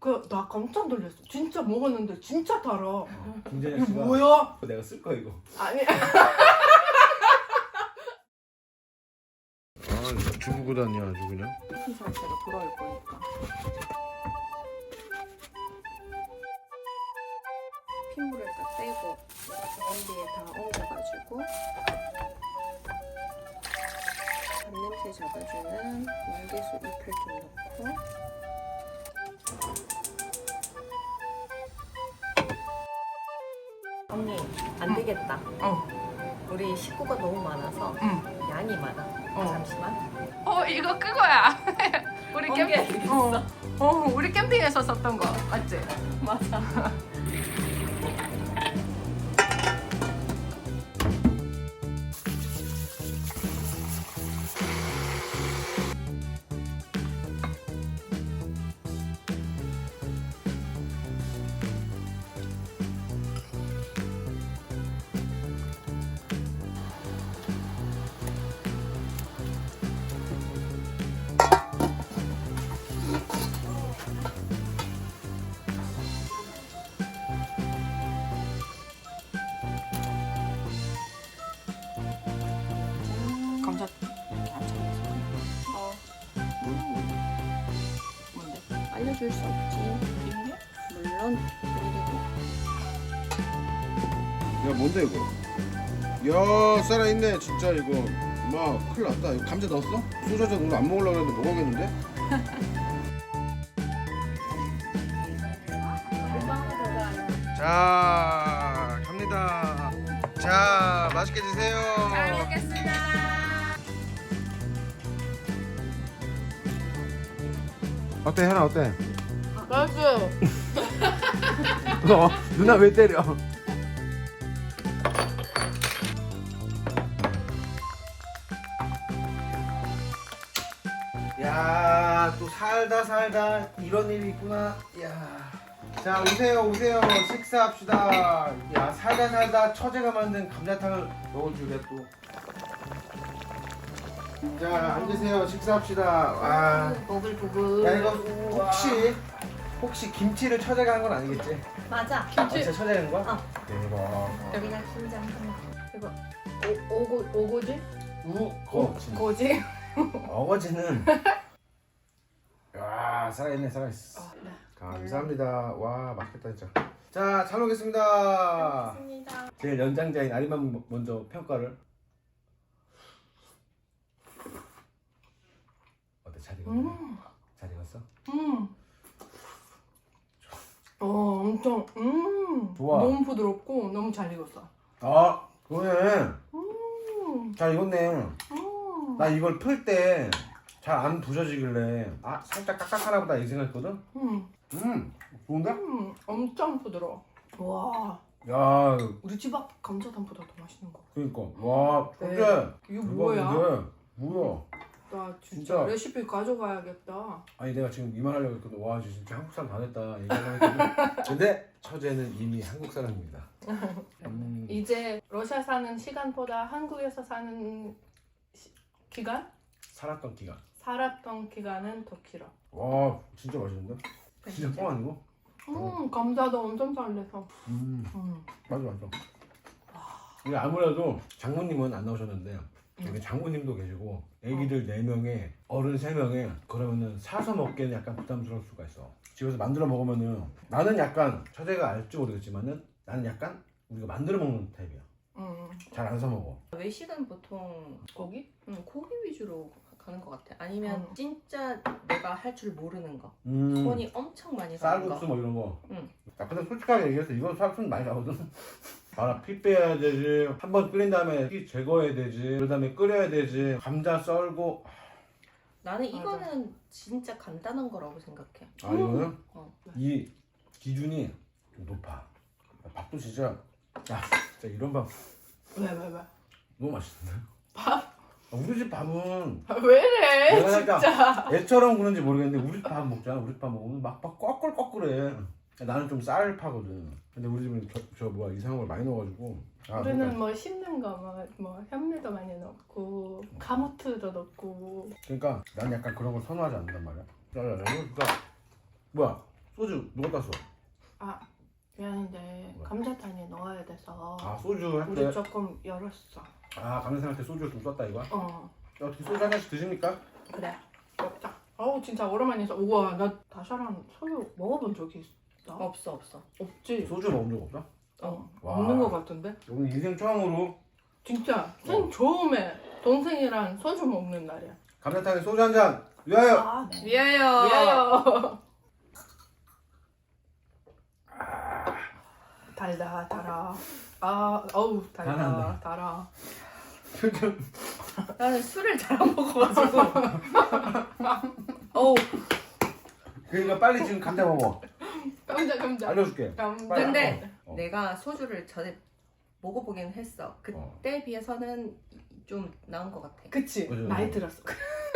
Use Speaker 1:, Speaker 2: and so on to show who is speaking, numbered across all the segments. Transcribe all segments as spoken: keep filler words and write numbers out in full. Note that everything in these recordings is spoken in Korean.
Speaker 1: 그 나 깜짝 놀랐어. 진짜 먹었는데 진짜 달아.
Speaker 2: 어, 김재현
Speaker 1: 이거
Speaker 2: 씨가
Speaker 1: 뭐야?
Speaker 2: 내가 쓸 거야 이거.
Speaker 1: 아니.
Speaker 2: 아 중국 다니 아주 그냥.
Speaker 1: 이 자체가 돌아올 거니까. 핏물을 다 떼고 냄비에 다 옮겨가지고 잡냄새 잡아주는 물개수 잎을 좀 넣고.
Speaker 3: 언니 안 되겠다.
Speaker 1: 어.
Speaker 3: 우리 식구가 너무 많아서
Speaker 1: 응.
Speaker 3: 양이 많아.
Speaker 1: 어.
Speaker 3: 잠시만.
Speaker 1: 어 이거 그거야. 우리
Speaker 3: 번개
Speaker 1: 캠핑.
Speaker 3: 되겠어.
Speaker 1: 어. 어 우리 캠핑에서 썼던 거 맞지?
Speaker 3: 맞아.
Speaker 1: 감자 이렇게 안 참아서.
Speaker 3: 어.
Speaker 1: 뭔데?
Speaker 3: 알려줄 수 없지.
Speaker 1: 비밀이야?
Speaker 3: 물론 비밀이고.
Speaker 2: 야 뭔데 이거? 야 살아있네 진짜 이거. 마 큰일 났다. 이거 감자 넣었어? 소저자 오늘 안 먹으려고 했는데 먹어야겠는데? 자 갑니다. 자 맛있게 드세요.
Speaker 1: 잘 먹겠습니다.
Speaker 2: 어때 현아 어때?
Speaker 1: 맛있어요.
Speaker 2: 어, 누나 왜 때려? 야, 또 살다 살다 이런 일이 있구나. 야. 자, 오세요, 오세요. 식사합시다. 야, 살다 살다 처제가 만든 감자탕을 먹을 줄이야 또. 자, 앉으세요. 식사합시다. 와.
Speaker 1: 보글보글.
Speaker 2: 야, 이거 혹시 혹시 김치를 처제가 한 건 아니겠지?
Speaker 3: 맞아.
Speaker 2: 아, 진짜 처제가 한 거야?
Speaker 3: 어.
Speaker 2: 대박.
Speaker 3: 우리가 긴장 좀.
Speaker 1: 이거 오, 오고 오고지?
Speaker 2: 우거지.
Speaker 1: 고지?
Speaker 2: 어거지는 야 살아있네 살아있어.
Speaker 1: 어, 네.
Speaker 2: 감사합니다. 와 맛있겠다 진짜. 자 잘 먹겠습니다.
Speaker 3: 맞습니다.
Speaker 2: 제일 연장자인 아리만 먼저 평가를. 어때 잘 익었네?
Speaker 1: 음.
Speaker 2: 잘 익었어?
Speaker 1: 음. 어 엄청 음.
Speaker 2: 좋아.
Speaker 1: 너무 부드럽고 너무 잘 익었어.
Speaker 2: 아 그러네.
Speaker 1: 음.
Speaker 2: 잘 익었네.
Speaker 1: 음.
Speaker 2: 나 이걸 풀 때 잘 안 부서지길래 아 살짝 딱딱하나 보다 이 생각했거든.
Speaker 1: 음.
Speaker 2: 음 좋은데?
Speaker 1: 음. 엄청 부드러워. 와.
Speaker 2: 야
Speaker 1: 우리 집 앞 감자탕보다 더 맛있는 거.
Speaker 2: 그러니까 와
Speaker 1: 네.
Speaker 2: 근데
Speaker 1: 이거 뭐야?
Speaker 2: 대박인데 뭐야?
Speaker 1: 나 진짜,
Speaker 2: 진짜.
Speaker 1: 레시피 가져가야겠다.
Speaker 2: 아니 내가 지금 이 말 하려고 했거든. 와 진짜 한국 사람 다 됐다 얘기하려고 했거든. 근데 처제는 이미 한국 사람입니다. 음.
Speaker 1: 이제 러시아 사는 시간보다 한국에서 사는 시, 기간?
Speaker 2: 살았던 기간.
Speaker 1: 살았던 기간은 더 길어.
Speaker 2: 와 진짜 맛있는데? 진짜 뻥 아니고?
Speaker 1: 음, 감자도 엄청 잘 내서.
Speaker 2: 음
Speaker 1: 음.
Speaker 2: 맞아 맞아. 우리 아무래도 장모님은 안 나오셨는데 여기 장모님도 계시고 애기들 네 명에 어른 세 명에 그러면은 사서 먹기에는 약간 부담스러울 수가 있어. 집에서 만들어 먹으면은 나는 약간 처제가 알지 모르겠지만은 나는 약간 우리가 만들어 먹는 타입이야.
Speaker 1: 음.
Speaker 2: 잘 안 사 먹어.
Speaker 3: 외식은 보통
Speaker 1: 고기?
Speaker 3: 음, 고기 위주로 가는 것 같아. 아니면
Speaker 1: 음.
Speaker 3: 진짜 내가 할 줄 모르는 거.
Speaker 2: 음.
Speaker 3: 손이 엄청 많이 가는 거.
Speaker 2: 쌀국수 뭐 이런 거.
Speaker 3: 응.
Speaker 2: 야, 근데 솔직하게 얘기해서 이건 쌀국수 많이 나거든. 알아, 피 빼야 되지. 한 번 끓인 다음에 피 제거해야 되지. 그 다음에 끓여야 되지. 감자 썰고.
Speaker 3: 나는
Speaker 1: 맞아.
Speaker 3: 이거는 진짜 간단한 거라고 생각해.
Speaker 2: 아 이거는
Speaker 3: 어.
Speaker 2: 이 기준이 좀 높아. 밥도 진짜. 야, 진짜 이런 밥
Speaker 1: 왜, 왜, 왜?
Speaker 2: 너무 맛있는데.
Speaker 1: 밥?
Speaker 2: 아, 우리 집 밥은
Speaker 1: 아, 왜 이래,
Speaker 2: 내가
Speaker 1: 진짜.
Speaker 2: 살짝 애처럼 그런지 모르겠는데 우리 집 밥 먹잖아. 우리 집 밥 먹으면 막, 막 꺼끌꺼끌해. 나는 좀 쌀파거든. 근데 우리 집은 저, 저 뭐야 이상한 걸 많이 넣어가지고. 아,
Speaker 1: 우리는
Speaker 2: 그러니까,
Speaker 1: 뭐 씹는 거, 뭐, 뭐 현미도 많이 넣고, 카모트도 넣고.
Speaker 2: 그러니까 난 약간 그런 걸 선호하지 않는단 말이야. 야야야 이거 진짜 뭐야? 소주 누가 땄어?
Speaker 1: 아 미안한데
Speaker 2: 뭐야?
Speaker 1: 감자탕에 넣어야 돼서
Speaker 2: 아 소주 할
Speaker 1: 우리
Speaker 2: 때.
Speaker 1: 조금 열었어.
Speaker 2: 아 감자탕 할 때 소주를 좀 썼다 이거야?
Speaker 1: 어
Speaker 2: 어떻게 소주 한 잔씩 드십니까?
Speaker 1: 그래 먹자. 어우 진짜 오랜만이서 우와 나 다샤랑 소주 먹어본 적이 있어?
Speaker 3: 없어 없어.
Speaker 1: 없지.
Speaker 2: 소주 먹은 적 없어?
Speaker 1: 어
Speaker 2: 와.
Speaker 1: 없는 것 같은데.
Speaker 2: 오늘 인생 처음으로
Speaker 1: 진짜 생 처음에 동생이랑 소주 먹는 날이야.
Speaker 2: 감자탕에 소주 한 잔 위하여.
Speaker 1: 아 네.
Speaker 3: 위하여.
Speaker 1: 위하여. 달다 달아. 아 어우 달다
Speaker 2: 달아네.
Speaker 1: 달아.
Speaker 3: 나는 술을 잘 안 먹어가지고. 어우.
Speaker 2: 그러니까 빨리 지금 감자 먹어.
Speaker 1: 감자 감자.
Speaker 2: 알려줄게.
Speaker 1: 감자.
Speaker 2: 빨리.
Speaker 3: 근데
Speaker 2: 어.
Speaker 3: 내가 소주를 전에 먹어보긴 했어. 그때 비해서는 좀 나은 것 같아.
Speaker 1: 그치
Speaker 2: 맞아,
Speaker 1: 나이
Speaker 2: 맞아.
Speaker 1: 들었어.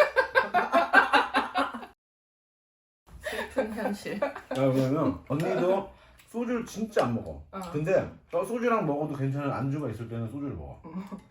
Speaker 3: 슬픈 현실.
Speaker 2: 야, 그러면 언니도 소주를 진짜 안 먹어.
Speaker 1: 어.
Speaker 2: 근데 어, 소주랑 먹어도 괜찮은 안주가 있을 때는 소주를 먹어.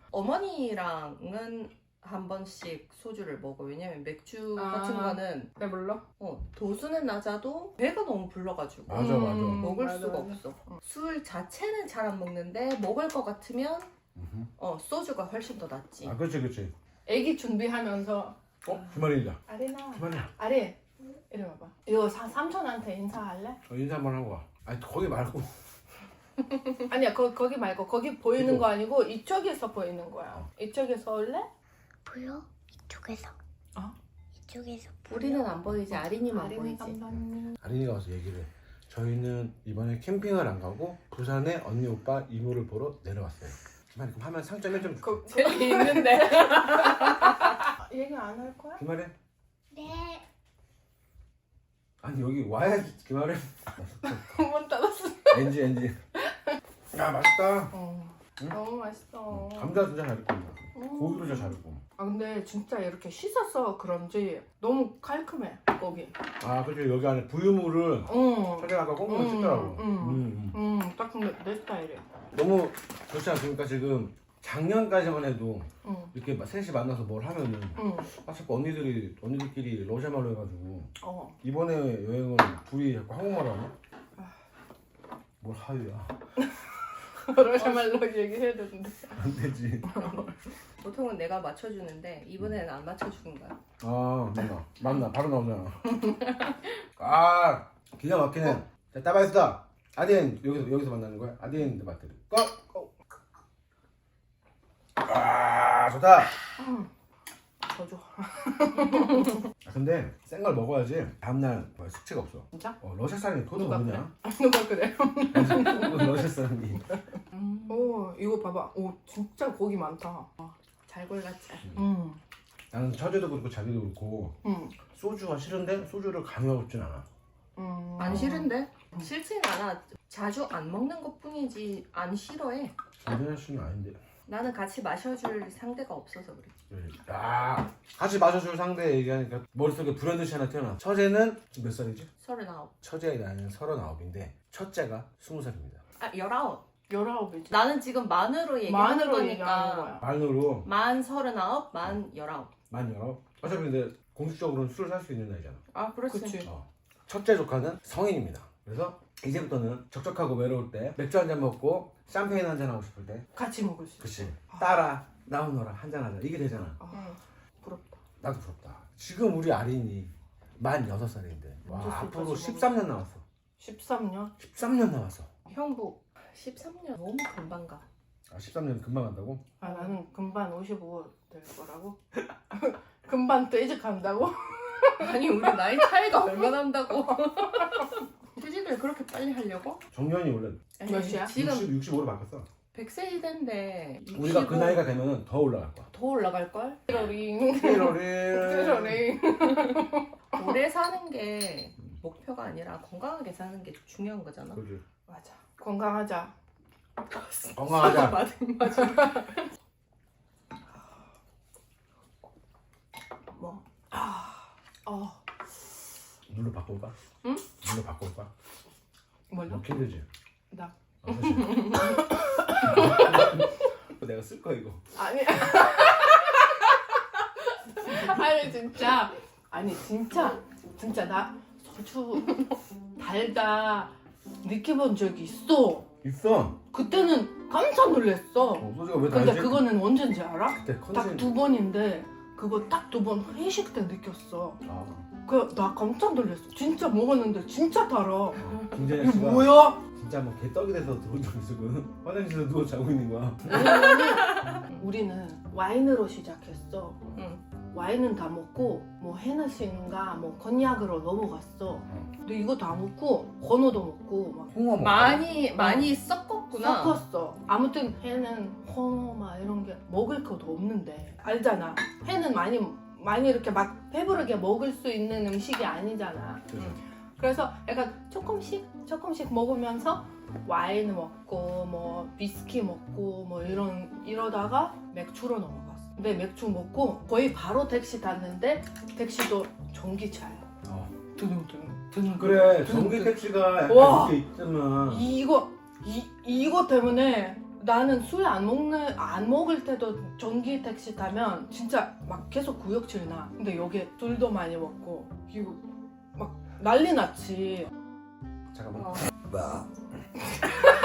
Speaker 3: 어머니랑은 한 번씩 소주를 먹어. 왜냐면 맥주
Speaker 1: 아.
Speaker 3: 같은 거는
Speaker 1: 내 불러?
Speaker 3: 어, 도수는 낮아도 배가 너무 불러가지고
Speaker 2: 맞아 맞아.
Speaker 1: 음.
Speaker 3: 먹을
Speaker 1: 맞아,
Speaker 3: 수가
Speaker 1: 맞아.
Speaker 3: 없어.
Speaker 1: 어.
Speaker 3: 술 자체는 잘 안 먹는데 먹을 것 같으면
Speaker 2: 음흠.
Speaker 3: 어 소주가 훨씬 더 낫지.
Speaker 2: 아 그렇지 그렇지.
Speaker 1: 애기 준비하면서
Speaker 2: 어? 김아린이다.
Speaker 1: 아리나
Speaker 2: 김아린.
Speaker 1: 아리 이리 와봐. 이거 사, 삼촌한테 인사할래?
Speaker 2: 어, 인사 한번 하고 와. 아니 거기 말고.
Speaker 1: 아니야 거, 거기 말고 거기 보이는
Speaker 2: 이거.
Speaker 1: 거 아니고 이쪽에서 보이는 거야.
Speaker 2: 어.
Speaker 1: 이쪽에서 올래?
Speaker 4: 보여? 이쪽에서.
Speaker 1: 어?
Speaker 4: 이쪽에서 보여.
Speaker 3: 우리는 안 보이지. 아린이만
Speaker 1: 아린이
Speaker 3: 보이지.
Speaker 1: 감독님.
Speaker 2: 아린이가 와서 얘기를 해. 저희는 이번에 캠핑을 안 가고 부산에 언니 오빠 이모를 보러 내려왔어요. 김아린 그럼 하면 상점 일 점 줄게.
Speaker 1: 그 저기 있는데. 얘기 안 할 거야?
Speaker 2: 김아린?
Speaker 4: 네.
Speaker 2: 아니 여기 와야지 김아린.
Speaker 1: 한번 따랐어.
Speaker 2: 엔지 엔지. 야 맛있다.
Speaker 1: 어.
Speaker 2: 응?
Speaker 1: 너무 맛있어.
Speaker 2: 감자 진짜 잘 익고
Speaker 1: 음.
Speaker 2: 고기도 진짜 잘 익고.
Speaker 1: 아 근데 진짜 이렇게 씻어서 그런지 너무 깔끔해 고기.
Speaker 2: 아 그렇죠 여기 안에 부유물을
Speaker 1: 응.
Speaker 2: 처리하고 꽁꽁
Speaker 1: 음,
Speaker 2: 씻더라고.
Speaker 1: 음.
Speaker 2: 음, 음.
Speaker 1: 응. 딱 근데 내 스타일이야.
Speaker 2: 너무 좋지 않습니까 지금 작년까지만 해도
Speaker 1: 응.
Speaker 2: 이렇게 막 셋이 만나서 뭘 하면은
Speaker 1: 응.
Speaker 2: 아 자꾸 언니들이 언니들끼리 러시아 말로 해가지고
Speaker 1: 어.
Speaker 2: 이번에 여행은 둘이 자꾸 한국말 하네. 뭘 하유야
Speaker 1: 러시아 말로 얘기해야 되는데.
Speaker 2: 안 되지.
Speaker 3: 보통은 내가 맞춰주는데 이번에는 안 맞춰주는 거야.
Speaker 2: 아 맞나 맞나 바로 나오잖아. 아 기가 막히네. 자 따바이스다. 아딘 여기서 여기서 만나는 거야. 아딘 마트 고. 아 좋다.
Speaker 1: 응. 더 줘.
Speaker 2: 아, 근데 센 걸 먹어야지 다음날 뭐 숙취가 없어.
Speaker 1: 진짜?
Speaker 2: 어 러시아 사람이 그것도
Speaker 1: 누가
Speaker 2: 모르냐?
Speaker 1: 누가 그래?
Speaker 2: 러시아 사람이.
Speaker 3: 음.
Speaker 1: 오 이거 봐봐. 오 진짜 고기 많다.
Speaker 3: 잘 골랐지.
Speaker 1: 응.
Speaker 2: 나는 처제도 그렇고 자기도 그렇고
Speaker 1: 응.
Speaker 2: 소주가 싫은데 소주를 강요하고 있진 않아.
Speaker 1: 음.
Speaker 3: 안 싫은데? 싫진 않아. 자주 안 먹는 것뿐이지 안 싫어해.
Speaker 2: 김연아 씨는 아닌데.
Speaker 3: 나는 같이 마셔줄 상대가 없어서 그래.
Speaker 2: 야 같이 마셔줄 상대 얘기하니까 머릿속에 불현듯이 하나 태어나. 처제는 지금 몇 살이지?
Speaker 3: 서른아홉.
Speaker 2: 처제의 나이는 서른아홉인데 첫째가 스무 살입니다.
Speaker 3: 아 열아홉.
Speaker 1: 열아홉이지.
Speaker 3: 나는 지금 만으로 얘기하는
Speaker 1: 만으로
Speaker 3: 거니까.
Speaker 1: 얘기하는 거야.
Speaker 2: 만으로
Speaker 3: 만 서른아홉, 만 열아홉.
Speaker 2: 만 열아홉. 어차피 근데 공식적으로는 술을 살 수 있는 나이잖아.
Speaker 3: 아 그렇지.
Speaker 1: 그치.
Speaker 2: 어. 첫째 조카는 성인입니다. 그래서 이제부터는 적적하고 외로울 때 맥주 한 잔 먹고 샴페인 한 잔 하고 싶을 때
Speaker 1: 같이 먹을 수 있어.
Speaker 2: 그치 따라 나오너라 한 잔 하자 이게 되잖아.
Speaker 1: 아,
Speaker 3: 응.
Speaker 1: 부럽다.
Speaker 2: 나도 부럽다. 지금 우리 아린이 만 여섯 살인데 와
Speaker 1: 언제
Speaker 2: 앞으로
Speaker 1: 술까지
Speaker 2: 십삼 년 남았어.
Speaker 1: 십삼 년?
Speaker 2: 십삼 년 남았어.
Speaker 3: 형부 십삼 년 너무 금방 가.
Speaker 2: 아 십삼 년 금방 간다고?
Speaker 1: 아 나는 금방 오십오 될 거라고? 금방 퇴직한다고?
Speaker 3: 아니 우리 나이 차이가 얼마나 난다고. 퇴직을 그렇게 빨리 하려고?
Speaker 2: 정년이 원래
Speaker 1: 몇이야?
Speaker 3: 지금
Speaker 2: 육십, 육십오로 바뀌었어.
Speaker 3: 백 세 시대인데
Speaker 2: 우리가 그 나이가 되면은 더 올라갈 거야.
Speaker 3: 더 올라갈걸?
Speaker 1: 띠로링
Speaker 2: 띠로리.
Speaker 1: 띠로링.
Speaker 3: 오래 사는 게 목표가 아니라 건강하게 사는 게 중요한 거잖아.
Speaker 2: 그지.
Speaker 1: 맞아. 건강하자.
Speaker 2: 건강하자.
Speaker 3: 맞아 맞아.
Speaker 1: 뭐? 아, 어,
Speaker 2: 물로 바꿀까?
Speaker 1: 응?
Speaker 2: 물로 바꿀까?
Speaker 1: 뭘로?
Speaker 2: 먹기 힘들지.
Speaker 1: 나.
Speaker 2: 아, 사실. 내가 쓸 거야 이거.
Speaker 1: 아니. 아니 진짜. 아니 진짜. 진짜 나 아주 달다 느껴본 적이 있어.
Speaker 2: 있어.
Speaker 1: 그때는 깜짝 놀랐어.
Speaker 2: 어, 소주가 왜
Speaker 1: 근데
Speaker 2: 달지?
Speaker 1: 그거는 언제인지 알아?
Speaker 2: 그때
Speaker 1: 딱
Speaker 2: 컨셉.
Speaker 1: 두 번인데 그거 딱 두 번 회식 때 느꼈어.
Speaker 2: 아,
Speaker 1: 그 나 깜짝 놀랐어. 진짜 먹었는데 진짜 달아.
Speaker 2: 어, 김재현
Speaker 1: 이게
Speaker 2: 씨가
Speaker 1: 뭐야?
Speaker 2: 진짜 뭐 개떡이 돼서 들어온 적 있어. 그 화장실에서 누워 자고 있는 거야.
Speaker 1: 왜냐면은 우리는 와인으로 시작했어.
Speaker 3: 응.
Speaker 1: 와인은 다 먹고 뭐 헤너시인가 뭐 건약으로 넘어갔어. 근데 이거 다 먹고 건어도 먹고 막
Speaker 2: 홍어 먹어.
Speaker 3: 많이 많이 섞었구나.
Speaker 1: 섞었어. 아무튼 회는 홍어 막 이런 게 먹을 것도 없는데 알잖아. 회는 많이 많이 이렇게 막 배부르게 먹을 수 있는 음식이 아니잖아.
Speaker 2: 그죠.
Speaker 1: 그래서 약간 조금씩 조금씩 먹으면서 와인 먹고 뭐 위스키 먹고 뭐 이런 이러다가 맥주로 넘어갔어. 근데 맥주 먹고 거의 바로 택시 탔는데 택시도 전기차야.
Speaker 2: 어.
Speaker 1: 드릉드릉 드릉.
Speaker 2: 그래 전기 택시가 약간
Speaker 1: 와.
Speaker 2: 이게 있잖아.
Speaker 1: 이거 이 이거 때문에 나는 술 안 먹는 안 먹을 때도 전기 택시 타면 진짜 막 계속 구역질 나. 근데 여기 술도 많이 먹고 이거 막 난리 났지.
Speaker 2: 잠깐만.
Speaker 3: 어.
Speaker 2: 봐.